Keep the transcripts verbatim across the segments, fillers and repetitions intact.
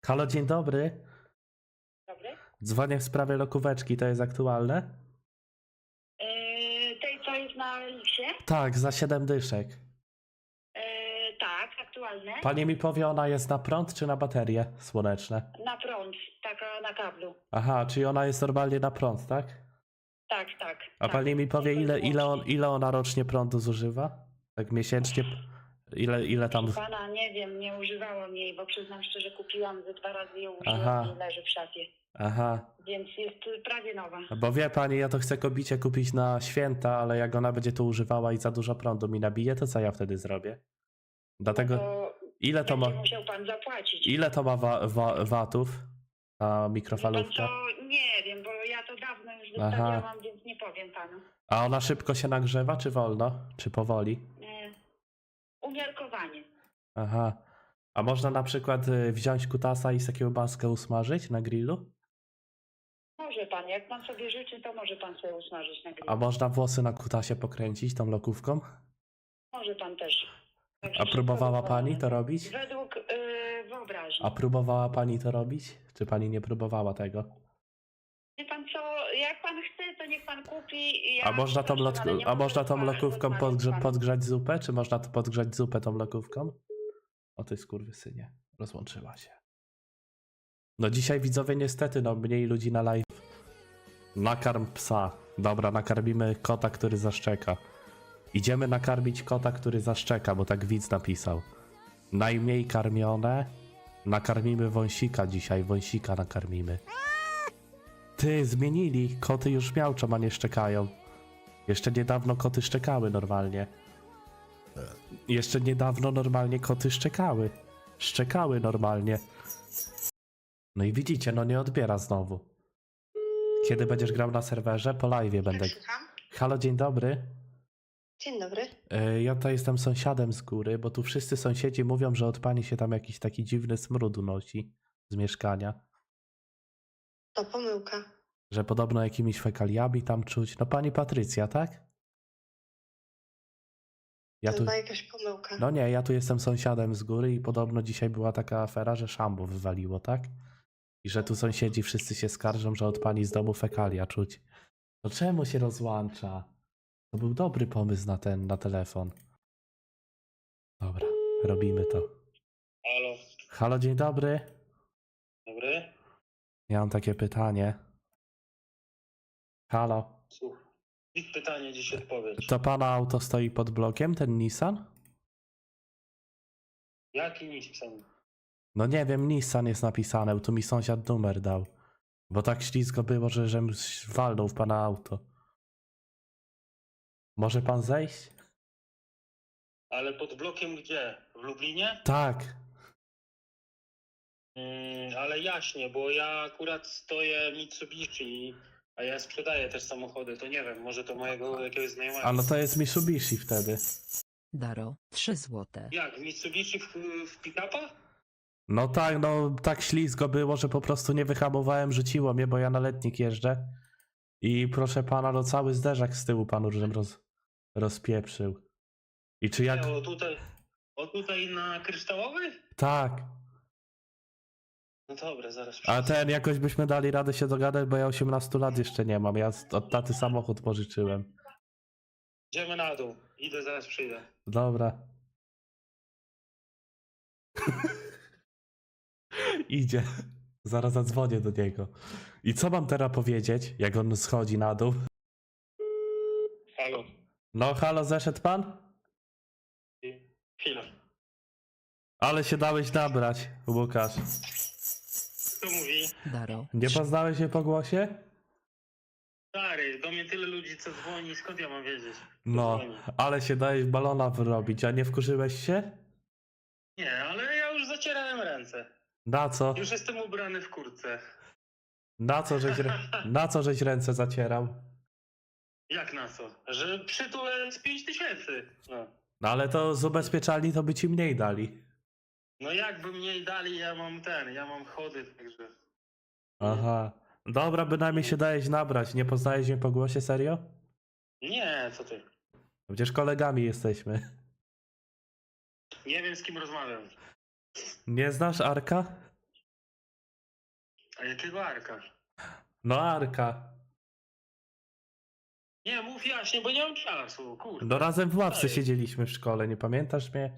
Halo, dzień dobry. Dobry. Dzwonię w sprawie lokóweczki, to jest aktualne? Yy, tej, co jest na Liksie? Tak, za siedem dyszek. Yy, tak, aktualne. Pani mi powie, ona jest na prąd czy na baterie słoneczne? Na prąd, taka na kablu. Aha, czyli ona jest normalnie na prąd, tak? Tak, tak. A tak. pani mi powie, Tylko i ile, ile, on, wyłącznie. ile ona rocznie prądu zużywa? Tak miesięcznie? Ile, ile tam... Proszę pana, nie wiem, nie używałam jej, bo przyznam szczerze, kupiłam ze dwa razy ją użyłam Aha. i leży w szafie. Aha, Więc jest prawie nowa. bo wie pani, ja to chcę kobicie kupić na święta, ale jak ona będzie to używała i za dużo prądu mi nabije, to co ja wtedy zrobię? Dlatego... To Ile to ma... będzie musiał pan zapłacić. Ile to ma wa wa watów ta Wie mikrofalówka? pan co? Nie wiem, bo ja to dawno już Aha. wystawiałam, więc nie powiem panu. A ona szybko się nagrzewa, czy wolno? Czy powoli? Yy, umiarkowanie. Aha. A można na przykład y, wziąć kutasa i sobie kiełbaskę usmażyć na grillu? Może pan, jak pan sobie życzy, to może pan sobie usmażyć na grillu. A można włosy na kutasie pokręcić tą lokówką? Może pan też. Także A wszystko próbowała dozwolone. pani to robić? Według yy, wyobraźni. A próbowała pani to robić? Czy pani nie próbowała tego? Wie pan co, jak pan chce, to niech pan kupi. Ja A można tą, przepraszam, ale lotku- nie a mogę można tą rozma- lokówką rozmawiać z podgrze- panem. podgrzać zupę? Czy można to podgrzać zupę tą lokówką? O ty skurwysynie, rozłączyła się. No dzisiaj widzowie niestety, no mniej ludzi na live. Nakarm psa. Dobra, nakarmimy kota, który zaszczeka. Idziemy nakarmić kota, który zaszczeka, bo tak widz napisał. Najmniej karmione. Nakarmimy wąsika dzisiaj, wąsika nakarmimy. Ty, zmienili. Koty już miauczą, a nie szczekają. Jeszcze niedawno koty szczekały normalnie. Jeszcze niedawno normalnie koty szczekały. Szczekały normalnie. No i widzicie, no nie odbiera znowu. Kiedy będziesz grał na serwerze? Po live'ie będę. Słucham? Halo, dzień dobry. Dzień dobry. E, Ja tutaj jestem sąsiadem z góry, bo tu wszyscy sąsiedzi mówią, że od pani się tam jakiś taki dziwny smród unosi z mieszkania. To pomyłka. Że podobno jakimiś fekaliami tam czuć. No pani Patrycja, tak? Ja tu... jakaś pomyłka. No nie, ja tu jestem sąsiadem z góry i podobno dzisiaj była taka afera, że szambo wywaliło, tak? I że tu sąsiedzi wszyscy się skarżą, że od pani z domu fekalia czuć. To czemu się rozłącza? To był dobry pomysł na ten, na telefon. Dobra, robimy to. Halo, Halo, dzień dobry. dobry? Ja mam takie pytanie. Halo, Słuchaj. I pytanie dziś odpowiedź. to pana auto stoi pod blokiem, ten Nissan? Jaki Nissan? No nie wiem, Nissan jest napisane, tu mi sąsiad numer dał. Bo tak ślizgo było, że żem walnął w pana auto. Może pan zejść? Ale pod blokiem gdzie? W Lublinie? Tak. Mm, ale jaśnie, bo ja akurat stoję Mitsubishi, a ja sprzedaję też samochody, to nie wiem, może to mojego jakiegoś znajomego. A no to jest Mitsubishi wtedy. Daro, trzy złote. Jak, Mitsubishi w, w pick-upa? No tak, no tak ślizgo było, że po prostu nie wyhamowałem, rzuciło mnie, bo ja na letnik jeżdżę. I proszę pana, no cały zderzak z tyłu panu żem roz, rozpieprzył. I czy jak... Nie, o tutaj, o tutaj na Kryształowy? Tak. No dobra, zaraz A przyjdę. ten, jakoś byśmy dali radę się dogadać, bo ja osiemnastu lat jeszcze nie mam. Ja z- od taty samochód pożyczyłem. Idziemy na dół, idę, zaraz przyjdę. Dobra. Idzie. Zaraz zadzwonię do niego. I co mam teraz powiedzieć, jak on schodzi na dół? Halo. No halo, zeszedł pan? Chwila. Ale się dałeś nabrać, Łukasz. Kto mówi? Daro, Nie poznałeś się po głosie? Stary, do mnie tyle ludzi co dzwoni, skąd ja mam wiedzieć? Kto No, dzwoni? ale się dałeś balona wyrobić, a nie wkurzyłeś się? Nie, ale ja już zacierałem ręce. Na co? Już jestem ubrany w kurtce. Na co żeś, rę- na co żeś ręce zacierał? Jak na co? Że przytulę z pięć tysięcy. No. No ale to z ubezpieczalni to by ci mniej dali. no jakby mniej dali, ja mam ten, ja mam chody, także... Aha. Dobra, bynajmniej się dałeś nabrać. Nie poznajesz mnie po głosie, serio? Nie, co ty? Przecież kolegami jesteśmy. Nie wiem z kim rozmawiam. Nie znasz Arka? A jakiego Arka? No Arka. Nie, mów jaśnie, bo nie mam czasu, kurde. No razem w ławce Daj. siedzieliśmy w szkole, nie pamiętasz mnie?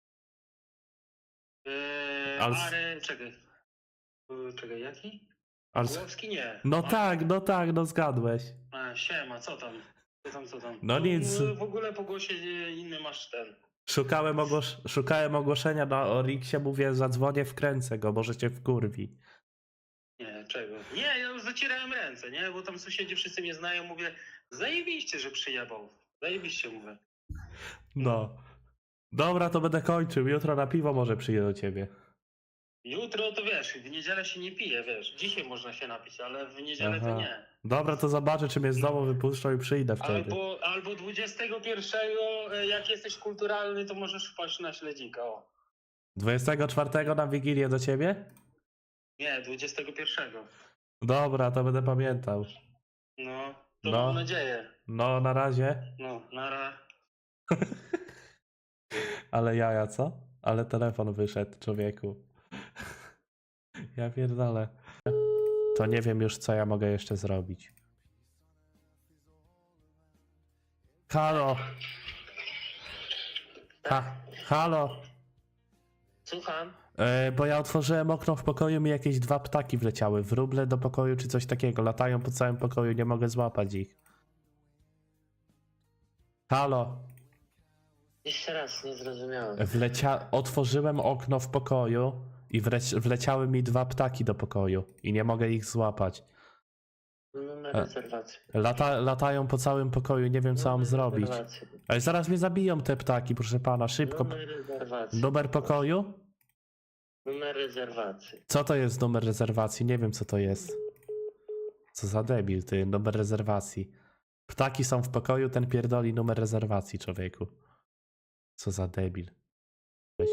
Eee, Ale- Ale czekaj. Yy, Czekaj, jaki? Ale... Głowski nie. No A, tak, no tak, no zgadłeś. A, siema, co tam? Co tam, co tam? No Tu, nic. yy, W ogóle po głosie yy, inny masz ten. Szukałem, ogłos... Szukałem ogłoszenia na Oriksie, mówię zadzwonię, wkręcę go, może cię wkurwi. Nie, czego? Nie, ja już zacierałem ręce, nie? Bo tam sąsiedzi wszyscy mnie znają, mówię, zajebiście, że przyjebał. Zajebiście, mówię. No. Dobra, to będę kończył, jutro na piwo może przyjdę do ciebie. Jutro to wiesz, w niedzielę się nie pije, wiesz. Dzisiaj można się napić, ale w niedzielę Aha. to nie. Dobra, to zobaczę, czy mnie z domu wypuszczą i przyjdę wtedy. Albo, albo dwudziestego pierwszego, e, jak jesteś kulturalny, to możesz wpaść na śledzika, o. dwudziestego czwartego na Wigilię do ciebie? Nie, dwudziestego pierwszego. Dobra, to będę pamiętał. No, to No. mam nadzieję. No, na razie. No, nara. Ale jaja, co? Ale telefon wyszedł, człowieku. Ja pierdolę. To nie wiem już, co ja mogę jeszcze zrobić. Halo. Ha, halo. Słucham? E, bo ja otworzyłem okno w pokoju, mi jakieś dwa ptaki wleciały. Wróble do pokoju czy coś takiego. Latają po całym pokoju, nie mogę złapać ich. Halo. Jeszcze raz, nie zrozumiałem. Wlecia... Otworzyłem okno w pokoju i wleci... wleciały mi dwa ptaki do pokoju i nie mogę ich złapać. Numer A. rezerwacji. Lata... Latają po całym pokoju, nie wiem co mam Numer zrobić. rezerwacji. Ale zaraz mnie zabiją te ptaki, proszę pana, szybko. Numer rezerwacji. Numer pokoju? Numer rezerwacji. Co to jest numer rezerwacji? Nie wiem co to jest. Co za debil, ty, numer rezerwacji. Ptaki są w pokoju, ten pierdoli numer rezerwacji, człowieku. Co za debil. Weź.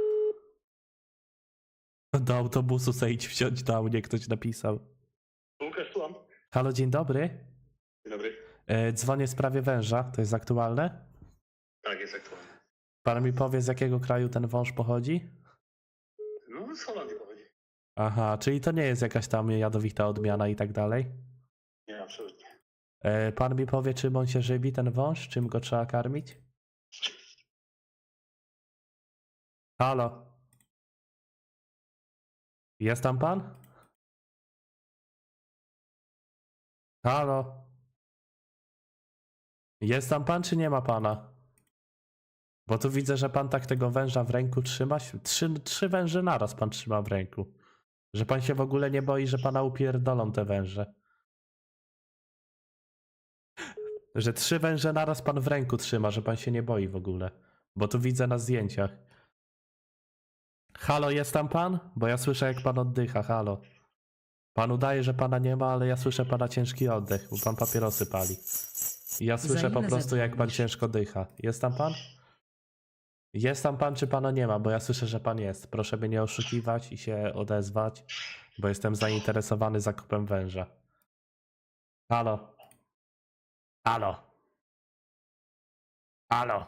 Do autobusu se idź wsiąść do mnie, ktoś napisał. Łukasz, słucham. Halo, dzień dobry. Dzień dobry. E, dzwonię w sprawie węża, to jest aktualne? Tak, jest aktualny. Pan mi powie, z jakiego kraju ten wąż pochodzi? No, z Holandii pochodzi. Aha, czyli to nie jest jakaś tam jadowita odmiana i tak dalej? Nie, absolutnie. E, pan mi powie, czym on się żywi, ten wąż? Czym go trzeba karmić? Halo? Jest tam pan? Halo? Jest tam pan, czy nie ma pana? Bo tu widzę, że pan tak tego węża w ręku trzyma. Trzy, trzy węże naraz pan trzyma w ręku. Że pan się w ogóle nie boi, że pana upierdolą te węże. Że trzy węże naraz pan w ręku trzyma, że pan się nie boi w ogóle. Bo tu widzę na zdjęciach. Halo, jest tam pan? Bo ja słyszę, jak pan oddycha, halo. Pan udaje, że pana nie ma, ale ja słyszę pana ciężki oddech, bo pan papierosy pali. I ja Za słyszę po ile prostu, jak pan zadzwonisz? ciężko dycha. Jest tam pan? Jest tam pan, czy pana nie ma? Bo ja słyszę, że pan jest. Proszę mnie nie oszukiwać i się odezwać, bo jestem zainteresowany zakupem węża. Halo? Halo? Halo?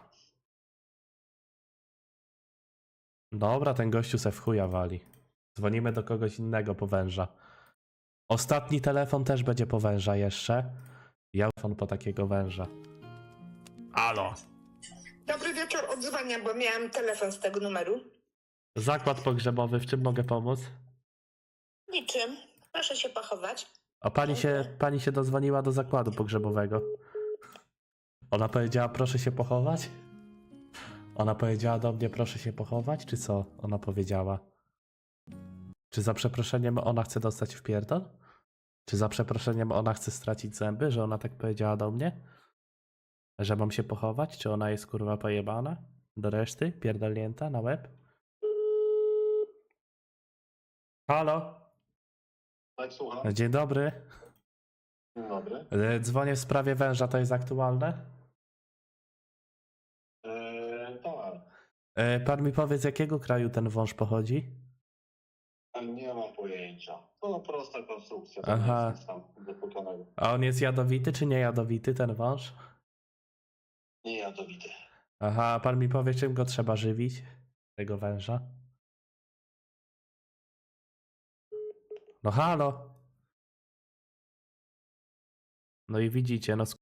Dobra, ten gościu se w chuja wali. Dzwonimy do kogoś innego po węża. Ostatni telefon też będzie po węża jeszcze. Ja telefon po takiego węża. Halo? Dobry wieczór, odzwania, bo miałam telefon z tego numeru. Zakład pogrzebowy, w czym mogę pomóc? Niczym. Proszę się pochować. O, pani się, pani się dozwoniła do zakładu pogrzebowego. Ona powiedziała, proszę się pochować? Ona powiedziała do mnie, proszę się pochować, czy co? Ona powiedziała. Czy za przeproszeniem ona chce dostać w pierdol? Czy za przeproszeniem ona chce stracić zęby, że ona tak powiedziała do mnie? Że mam się pochować? Czy ona jest kurwa pojebana? Do reszty? Pierdolnięta na łeb? Halo? Tak, słucham. Dzień dobry. Dzień dobry. E, Dzwonię w sprawie węża, to jest aktualne? Eee, tak. E, Pan mi powie, z jakiego kraju ten wąż pochodzi? Nie mam pojęcia. To prosta konstrukcja. To Aha. nie jest nic tam doputanego. A on jest jadowity czy nie jadowity, ten wąż? Nie jadowity. Aha, a pan mi powie, czym go trzeba żywić? Tego węża? No halo. No i widzicie, no